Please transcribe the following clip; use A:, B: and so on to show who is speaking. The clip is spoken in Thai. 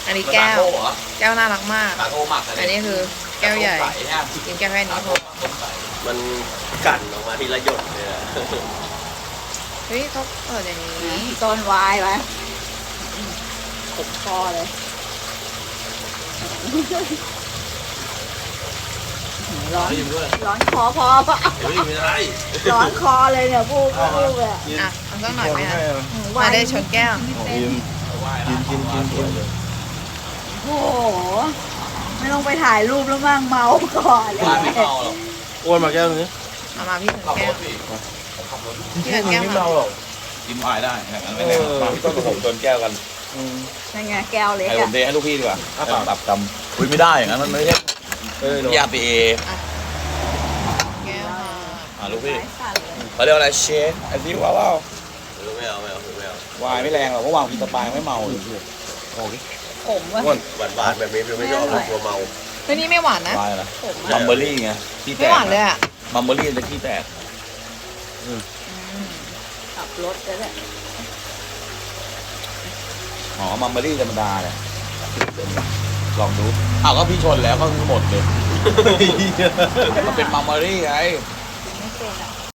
A: อันนี้แก้ว
B: โก้เหรอ
A: แก้วน่ารักมาก
B: ตาโก้หมักอะไร
A: อันนี้คือแก้วใหญ่
B: ตาโก้ใสเนี่ย
A: กินแก้วแค่นี้
B: ตา
A: พ
B: โก้
A: อ
B: ต้มใส
C: มันกั่นออกมาทีละหยดเลยอะ
A: เฮ้ยเขาเปิดอย่างนี้
D: ต้นวายไว้ติดคอเลยร้อน
B: ไม่ยิ้มด้วย
D: ร้อนคอพอปะ
B: เดี๋ยวไม่ยิ้มอะไร
D: ร้อนคอเลยเนี่ยพูดเลยอะ
A: อ่ะเอาสักหน่อยไหมคะ
D: วา
A: ไม่ได้ชนแก้ว
C: กิน
D: โอ้โหไม่ต้องไปถ่ายรูปแล้วมั่งเมาก่อนเลย
B: ว่าไม่เมาหรอก
C: อ้วนมาแก้วนึง
A: เอามาพี่ชน
B: ขับ
A: แก้
B: ร
A: ว
B: ถพี่ขับรถ
A: พี่ชนแก้ว
C: ไม่
A: มา
C: เมาหรอก
E: กินอายได้งั้นไม่แน่มาพี่ต้นกับผมโดนแก้วกัน
D: นั่นไงแก้วเล็ก
E: ให้ผ
D: อะ
E: มเทให้ลูกพี่ดีกว่าปรับกำคุยไม่ได้อย่างนั้นมันไม่ใช่ยาปีเอ
A: แก้วมา
E: ลูกพี่
D: สายสั่นเลย
E: เขาเรียกอะไรเชฟไอ้ที่ว้าว
C: ไม่เอาไม่เอา
E: วายไม่แรงหรอกเพราะวางกินสปายไม่เมาเลยโอ้ย
D: ผมว่ะ
C: หวานแบบนี้ไม่ชอบกลัวเมา
A: เฮ้ยนี่ไม่หวานนะ
E: วายอะไร
D: ผม
E: มัมเบอรี่ไงที่แต
A: ไม่
E: ก
A: หวานเลยอ่ะ
E: มัมเบอรี่จะที่แตก
D: ขับรถแล้วแหละ
E: อ๋อมัมเบอรี่ธรรมดาเนี่ยลองดูอ้าวก็พี่ชนแล้วก็คือหมดเลยมันเป็นมัมเบอรี่ไง
D: ไม่เป็นอ่ะ